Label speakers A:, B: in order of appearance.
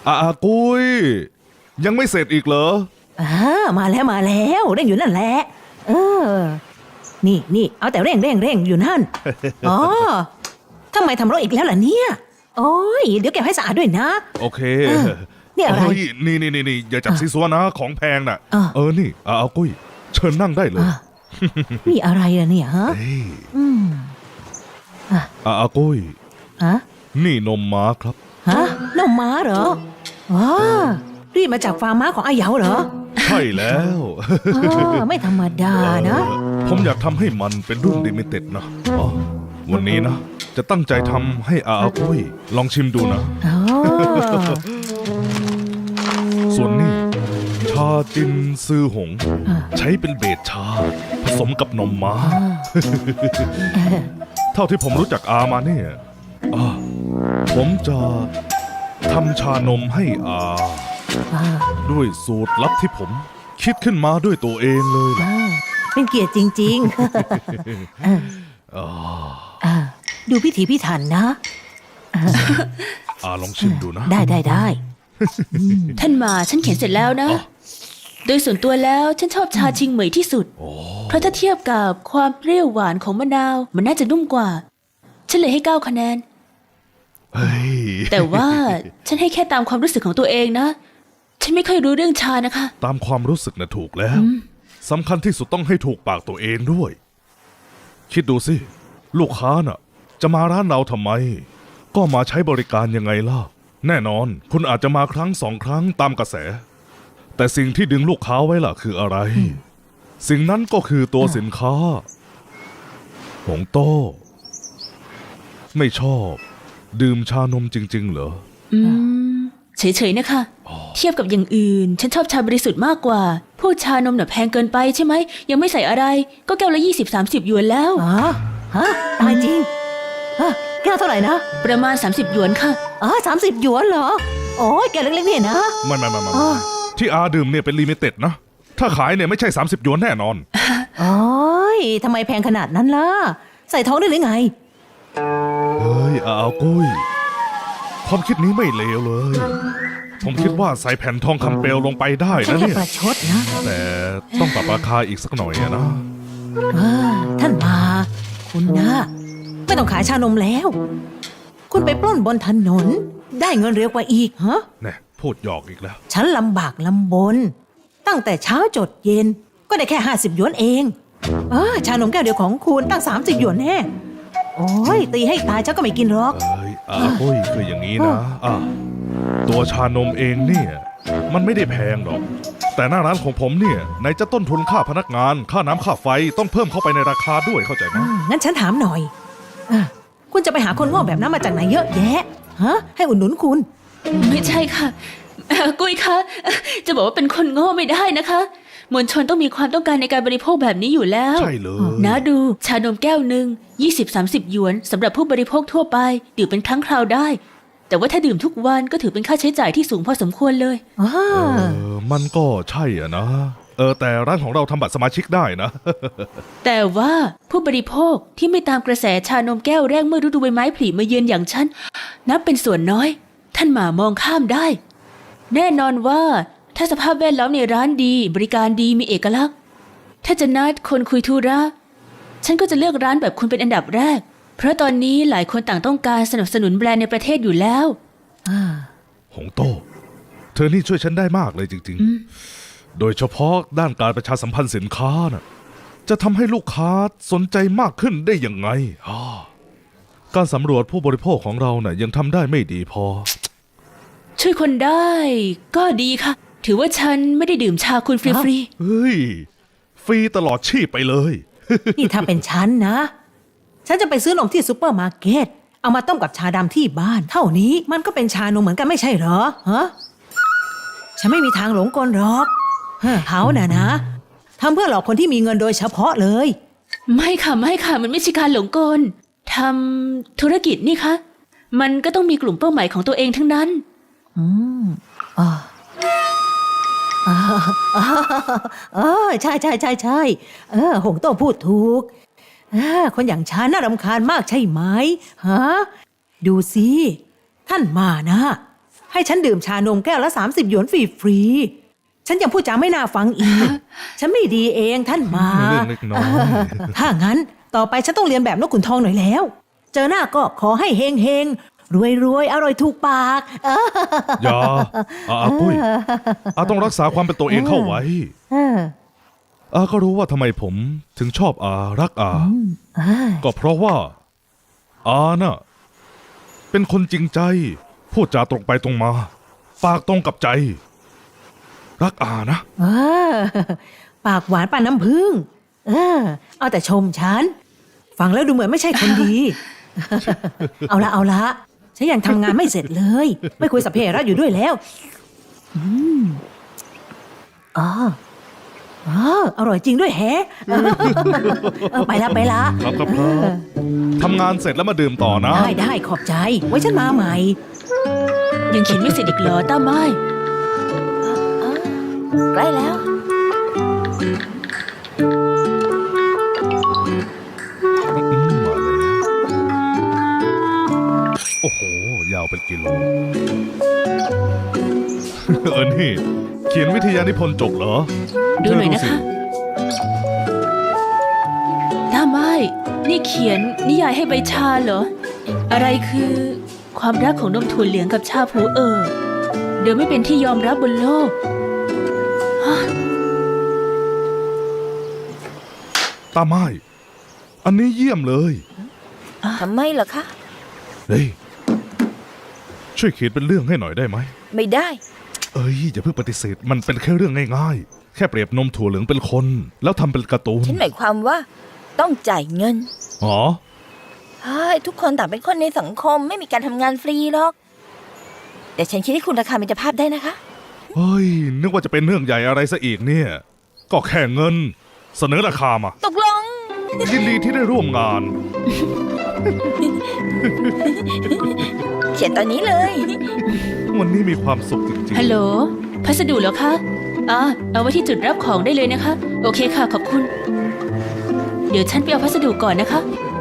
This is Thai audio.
A: กุ้ยยังไม่เสร็จอีกเหรอ
B: มาแล้วเร่งอยู่นั่นแหละนี่เอาแต่เร่งอยู่นั่น อ๋อทำไมทำรถอีกแล้วล่ะเนี่ยโอ้ยเดี๋ยวเก็บให้สะอาดด้วยนะ
A: โอเค
B: นี่อะไร
A: นี่อย่าจับซีซัวนะของแพงน่ะนี่กุ้ยเชิญนั่งได้เลย
B: นี่อะไรล่ะเนี่ยฮะ
A: กุ้ยนี่นมม้าครับ
B: นมม้าเหรอว้ารีบมาจากฟาร์มม้าของอาเหยาเหรอ
A: ใช่แล้ว
B: ไม่ธรรมดานะ
A: ผมอยากทำให้มันเป็นรุ่นลิมิเต็ดนะวันนี้นะจะตั้งใจทำให้กุ้ยลองชิมดูนะส่วนนี้ชาจินซือหงใช้เป็นเบสชาผสมกับนมม้าเท่าที่ผมรู้จักมาเนี่ยผมจะทำชานมให้ด้วยสูตรลับที่ผมคิดขึ้นมาด้วยตัวเองเลย
B: เป็นเกียรติจริงๆดูพิถีพิถันนะ
A: ลองชิมดูนะ
B: ได้
C: ท่านมาฉันเขียนเสร็จแล้วนะโดยส่วนตัวแล้วฉันชอบชาชิงเหมยที่สุดเพราะถ้าเทียบกับความเปรี้ยวหวานของมะนาวมันน่าจะนุ่มกว่าฉันเลยให้9 คะแนนแต่ว่าฉันให้แค่ตามความรู้สึกของตัวเองนะฉันไม่ค่อยรู้เรื่องชานะคะ
A: ตามความรู้สึกนะถูกแล้วสำคัญที่สุดต้องให้ถูกปากตัวเองด้วยคิดดูสิลูกค้าน่ะจะมาร้านเราทำไมก็มาใช้บริการยังไงล่ะแน่นอนคุณอาจจะมาครั้ง2 ครั้งตามกระแสแต่สิ่งที่ดึงลูกค้าไว้ล่ะคืออะไรสิ่งนั้นก็คือตัวสินค้าหงโต้ไม่ชอบดื่มชานมจริงๆเหรอ
C: เฉยๆนะคะเทียบกับอย่างอื่นฉันชอบชาบริสุทธิ์มากกว่าพวกชานมน่ะแพงเกินไปใช่ไหมยังไม่ใส่อะไรก็แก้วละ20-30 หยวนแล้ว
B: ตายจริงแก้วเท่าไหร่นะ
C: ประมาณ30 หยวนค่ะ
B: 30 หยวนเหรอโอ้ยแก้วเล็กๆเนี่ยนะ
A: ไม่ที่ดื่มเนี่ยเป็นลิมิเต็ดนะถ้าขายเนี่ยไม่ใช่30 หยวนแน่นอน
B: โอ้ยทำไมแพงขนาดนั้นล่ะใส่ท้องได้หรือไง
A: เฮ้ยกุ้ยความคิดนี้ไม่เลวเลยผมคิดว่าใส่แผ่นทองคำเปลวลงไปได้นะเนี่ย
B: ประชดนะ
A: แต่ต้องปรับราคาอีกสักหน่อยนะ
B: ท่านมาคุณนะไม่ต้องขายชานมแล้วคุณไปปล้นบนถนนได้เงินเร็วกว่าอีก
A: เนี่ยพูดหยอกอีกแล้ว
B: ฉันลำบากลำบนตั้งแต่เช้าจดเย็นก็ได้แค่50 หยวนเองชานมแก้วเดียวของคุณตั้ง30 หยวนแน่โอ้ยตีให้ตายเจ้าก็ไม่กินหรอก
A: กุ้ยคืออย่างนี้นะตัวชานมเองเนี่ยมันไม่ได้แพงหรอกแต่หน้าร้านของผมเนี่ยไหนจะต้นทุนค่าพนักงานค่าน้ำค่าไฟต้องเพิ่มเข้าไปในราคาด้วยเข้าใจไหม
B: งั้นฉันถามหน่อยคุณจะไปหาคนโง่แบบนั้นมาจากไหนเยอะแยะให้อุดหนุนคุณ
C: ไม่ใช่ค่ะกุ้ยคะจะบอกว่าเป็นคนโง่ไม่ได้นะคะมวลชนต้องมีความต้องการในการบริโภคแบบนี้อยู่แล้ว
A: ใช่เลย
C: นะดูชานมแก้วหนึ่ง20-30 หยวนสำหรับผู้บริโภคทั่วไปดื่มเป็นครั้งคราวได้แต่ว่าถ้าดื่มทุกวันก็ถือเป็นค่าใช้จ่ายที่สูงพอสมควรเลย
A: มันก็ใช่อ่ะนะแต่ร้านของเราทำบัตรสมาชิกได้นะ
C: แต่ว่าผู้บริโภคที่ไม่ตามกระแสชานมแก้วแรกเมื่อฤดูใบไม้ผลิมาเยือนอย่างฉันนับเป็นส่วนน้อยท่านหมามองข้ามได้แน่นอนว่าถ้าสภาพแวดล้อมในร้านดีบริการดีมีเอกลักษณ์ถ้าจะนัดคนคุยธุระฉันก็จะเลือกร้านแบบคุณเป็นอันดับแรกเพราะตอนนี้หลายคนต่างต้องการสนับสนุนแบรนด์ในประเทศอยู่แล้ว
A: หงโต้เธอนี่ช่วยฉันได้มากเลยจริงๆโดยเฉพาะด้านการประชาสัมพันธ์สินค้าน่ะจะทำให้ลูกค้าสนใจมากขึ้นได้ยังไงการสำรวจผู้บริโภคของเราน่ะยังทำได้ไม่ดีพอ
C: ช่วยคนได้ก็ดีค่ะถือว่าฉันไม่ได้ดื่มชาคุณฟรี
A: ๆเฮ้ยฟรีตลอดชีพไปเลย
B: นี่ถ้าเป็นฉันนะฉันจะไปซื้อนมที่ซุปเปอร์มาร์เก็ตเอามาต้มกับชาดำที่บ้านเท่านี้มันก็เป็นชานมเหมือนกันไม่ใช่เหรอฉันไม่มีทางหลงกลหรอกเขาน่ะนะทำเพื่อหลอกคนที่มีเงินโดยเฉพาะเลย
C: ไม่ค่ะมันไม่ใช่การหลงกลทำธุรกิจนี่คะมันก็ต้องมีกลุ่มเป้าหมายของตัวเองทั้งนั้น
B: ใช่หงโต้พูดถูกคนอย่างฉันน่ารำคาญมากใช่ไหมดูสิท่านมานะให้ฉันดื่มชานมแก้วละ30 หยวนฟรีๆฉันยังพูดจาไม่น่าฟังอีก ฉันไม่ดีเองท่านหมา
A: เรื่องเล็กน้อย
B: ถ้างั้นต่อไปฉันต้องเรียนแบบนกขุนทองหน่อยแล้ว เจอหน้าก็ขอให้เฮงเฮงรวยรวยๆอร่อยถูกปาก
A: อย่าปุ้ยต้องรักษาความเป็นตัวเองเข้าไว้ก็รู้ว่าทำไมผมถึงชอบรักก็เพราะว่าน่ะเป็นคนจริงใจ พูดจาตรงไปตรงมา ปากตรงกับใจ รักนะ
B: ปากหวานปานน้ำผึ้งเอาแต่ชมฉัน ฟังแล้วดูเหมือนไม่ใช่คนดี เอาละฉันยังทำงานไม่เสร็จเลย ไม่คุยสัพเพเหระอยู่ด้วยแล้วอร่อยจริงด้วยแฮะ ไปละ
A: ครับทำงานเสร็จแล้วมาดื่มต่อนะ
B: ได้ขอบใจ ไว้ฉันมาใหม่
C: ยังเขียนไม่เสร็จอีกเหรอต้าไม้
D: ใกล้แล้ว
A: มาแล้วโอ้โห ยาวเป็นกิโล นี่ เขียนวิทยานิพนธ์จบเหรอ
C: ดูหน่อยนะ
A: เธ
C: คะ
A: สิ
C: ต้าไม้นี่เขียนนิยายให้ใบชาเหรอ อะไรคือความรักของนมถั่วเหลืองกับชาผูเดี๋ยวไม่เป็นที่ยอมรับบนโลก
A: ตาไม้ อันนี้เยี่ยมเลย
D: ทำไมเหรอคะ
A: เฮ้ย ช่วยเขียนเป็นเรื่องให้หน่อยได้ไหม
D: ไม่ได้
A: อย่าเพิ่งปฏิเสธ มันเป็นแค่เรื่องง่ายๆ แค่เปรียบนมถั่วเหลืองเป็นคน แล้วทำเป็นการ์ตูน
D: ฉันหมายความว่าต้องจ่ายเงิน
A: อ๋อ
D: เฮ้ยทุกคนต่างเป็นคนในสังคมไม่มีการทำงานฟรีหรอก แต่ฉันคิดให้คุณราคามิตรภาพได้นะคะ
A: เฮ้ย นึกว่าจะเป็นเรื่องใหญ่อะไรซะอีกเนี่ย ก็แค่เงิน เสนอราคามา
D: ตกลง
A: ยินดีที่ได้ร่วมงาน
D: เขียนตอนนี้เลย
A: วันนี้มีความสุขจริง
C: ฮัลโหล พัสดุเหรอคะเอาไว้ที่จุดรับของได้เลยนะคะ โอเคค่ะ ขอบคุณ เดี๋ยวฉันไปเอาพัสดุก่อนนะคะ
A: ๆ